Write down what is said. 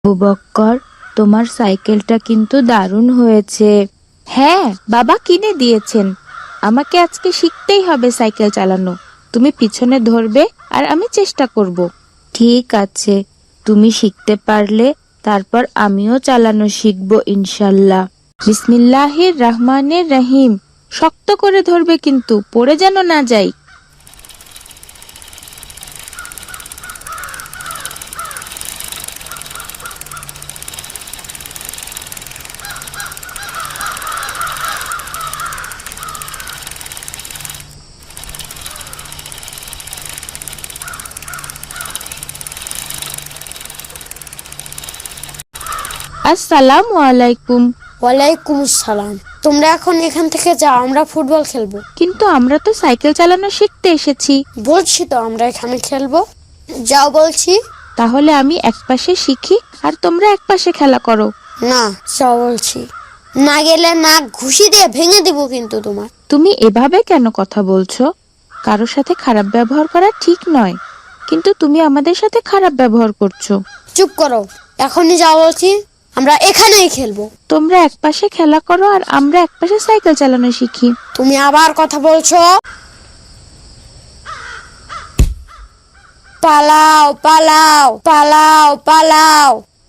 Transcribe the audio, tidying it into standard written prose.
আবু বক্কর, তোমার সাইকেলটা কিন্তু দারুণ হয়েছে। হ্যাঁ, বাবা কিনে দিয়েছেন। আমাকে আজকে শিখতেই হবে সাইকেল চালানো। তুমি পিছনে ধরবে আর আমি চেষ্টা করব। ঠিক আছে, তুমি শিখতে পারলে তারপর আমিও চালানো শিখবো ইনশাল্লাহ। বিসমিল্লাহির রহমানির রহিম। শক্ত করে ধরবে কিন্তু, পড়ে যেন না যাই। আসসালামু আলাইকুম। ওয়ালাইকুম আসসালাম। তোমরা এখন এখান থেকে যাও, আমরা ফুটবল খেলবো। কিন্তু আমরা তো সাইকেল চালানো শিখতে এসেছি। বলছি তো আমরা এখানে খেলবো। যাও বলছি। তাহলে আমি একপাশে শিখি আর তোমরা একপাশে খেলা করো। না, যাও বলছি। না গেলে নাক ঘুষি দিয়ে ভেঙে দিব কিন্তু তোমার। তুমি এভাবে কেন কথা বলছো? কারোর সাথে খারাপ ব্যবহার করা ঠিক নয়, কিন্তু তুমি আমাদের সাথে খারাপ ব্যবহার করছো। চুপ করো, এখনই যাও বলছি। আমরা এখানেই খেলবো। তোমরা একপাশে খেলা করো আর আমরা একপাশে সাইকেল চালানো শিখি। তুমি আবার কথা বলছো। পালাও পালাও পালাও পালাও।